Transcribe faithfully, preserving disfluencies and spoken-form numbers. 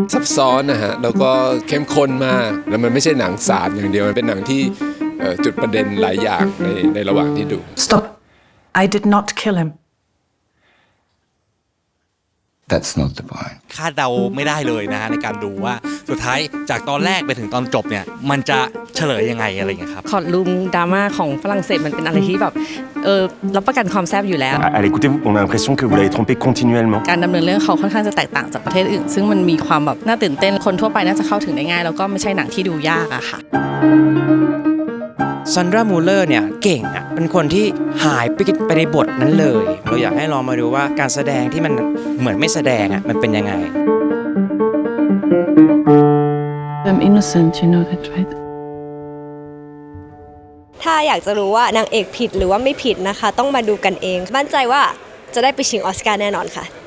ซับซ้อนนะฮะแล้วก็เข้มข้นมากแล้วมันไม่ใช่หนังสารอย่างเดียวมันเป็นหนังที่จุดประเด็นหลายอย่างในในระหว่างที่ดู Stop. I did not kill him. That's not the point. คาดเดาไม่ได้เลยนะฮะในการดูว่าสุดท้ายจากตอนแรกไปถึงตอนจบเนี่ยมันจะเฉลยยังไงอะไรอย่างเงี้ยครับคอร์ดรูมดราม่าของฝรั่งเศสมันเป็นอะไรที่แบบเออรับประกันความแซ่บอยู่แล้ว À l'écouter, on a l'impression que vous l'avez trompé continuellement. การดำเนินเรื่องเขาค่อนข้างจะแตกต่างจากประเทศอื่นซึ่งมันมีความแบบน่าตื่นเต้นคนทั่วไปน่าจะเข้าถึงได้ง่ายแล้วก็ไม่ใช่หนังที่ดูยากอะค่ะซันดรา มูลเลอร์เนี่ยเก่งอ่ะเป็นคนที่หายไปไปในบทนั้นเลยเราอยากให้ลองมาดูว่าการแสดงที่มันเหมือนไม่แสดงอ่ะมันเป็นยังไง I'm innocent, you know that, right? ถ้าอยากจะรู้ว่านางเอกผิดหรือว่าไม่ผิดนะคะต้องมาดูกันเองมั่นใจว่าจะได้ไปชิงออสการ์แน่นอนค่ะ